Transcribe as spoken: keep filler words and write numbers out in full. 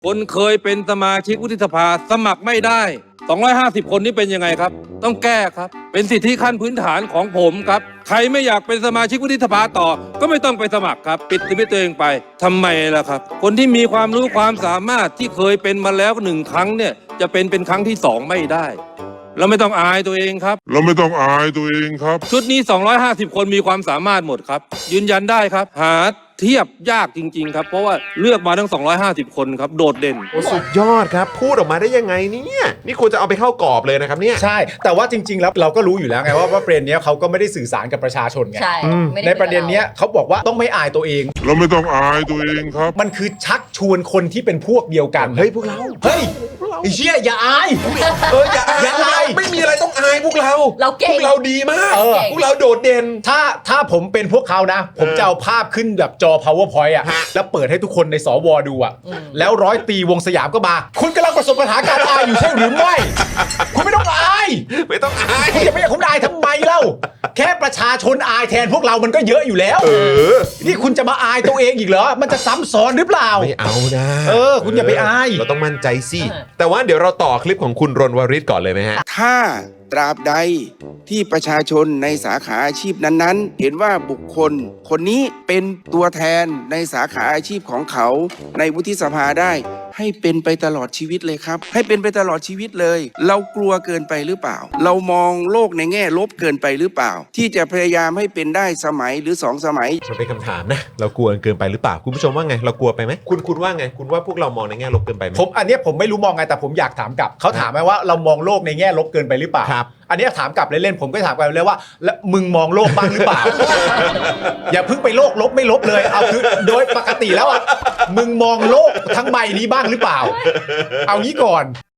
คนเคยเป็นสมาชิกวุฒิสภาสมัครไม่ได้สองร้อยห้าสิบคนนี้เป็นยังไงครับต้องแก้ครับเป็นสิทธิขั้นพื้นฐานของผมครับใครไม่อยากเป็นสมาชิกวุฒิสภาต่อก็ไม่ต้องไปสมัครครับปิดชีวิตตัวเองไปทำไมล่ะครับคนที่มีความรู้ความสามารถที่เคยเป็นมาแล้วหนึ่งครั้งเนี่ยจะเป็นเป็นครั้งที่สองไม่ได้เราไม่ต้องอายตัวเองครับเราไม่ต้องอายตัวเองครับชุดนี้สองร้อยห้าสิบคนมีความสามารถหมดครับยืนยันได้ครับหาเทียบยากจริงๆครับเพราะว่าเลือกมาทั้งสองร้อยห้าสิบคนครับโดดเด่นโอ้สุดยอดครับพูดออกมาได้ยังไงเนี่ยนี่ควรจะเอาไปเข้ากรอบเลยนะครับเนี่ยใช่แต่ว่าจริงๆแล้วเราก็รู้อยู่แล้วไงว่าว่าประเด็นนี้เขาก็ไม่ได้สื่อสารกับประชาชนไงใช่ไม่ในประเด็นนี้เขาบอกว่าต้องไม่อายตัวเองเราไม่ต้องอายตัวเองครับมันคือชักชวนคนที่เป็นพวกเดียวกันเฮ้ยพวกเราเฮ้ยไอ้เชี่ยอย่าอายเอออย่าอายอย่าอายไม่มีอะไรต้องอายพวกเราเราเก่งพวกเราดีมากเออพวกเราโดดเด่นถ้าถ้าผมเป็นพวกเขานะ ผมจะเอาภาพขึ้นแบบจอ powerpoint อ่ะฮะแล้วเปิดให้ทุกคนในสวดูอ่ะแล้วร้อยตีวงสยามก็มาคุณกำลังประสบปัญหาการอายอยู่ใช่หรือไม่คุณไม่ต้องอายไม่ต้องอายคุณจะไม่อยากคุณอายทำไมเล่าแค่ประชาชนอายแทนพวกเรามันก็เยอะอยู่แล้วเออนี่คุณจะมาอายตัวเองอีกเหรอมันจะซ้ำซ้อนหรือเปล่าไม่เอานะเออคุณอย่าไปอายเราต้องมั่นใจสิแต่ว่าเดี๋ยวเราต่อคลิปของคุณรณวริศก่อนเลยไหมฮะถ้าตราบใดที่ประชาชนในสาขาอาชีพนั้นๆ เห็นว่าบุคคล คนนี้เป็นตัวแทนในสาขาอาชีพของเขาในวุฒิสภาได้ ให้เป็นไปตลอดชีวิตเลยครับ ให้เป็นไปตลอดชีวิตเลย เรากลัวเกินไปหรือเปล่า เรามองโลกในแง่ลบเกินไปหรือเปล่า ที่จะพยายามให้เป็นได้สมัยหรือสองสมัยมันเป็นคำถามนะเรากลัวเกินไปหรือเปล่าคุณผู้ชมว่าไงเรากลัวไปไหมคุณคุณว่าไงคุณว่าพวกเรามองในแง่ลบเกินไปไหมผมอันเนี้ยผมไม่รู้มองไงแต่ผมอยากถามกลับเขาถามไหมว่าเรามองโลกในแง่ลบเกินไปหรือเปล่าครับอันเนี้ยถามกลับเล่นๆผมก็ถามกลับเลยว่าแล้วมึงมองโลกบ้างหรือเปล่า อย่าเพิ่งไปโลกลบไม่ลบเลยเอาคือโดยปกติแล้วอ่ะมึงมองโลกทั้งใบนี้บ้างหรือเปล่า เอางี้ก่อน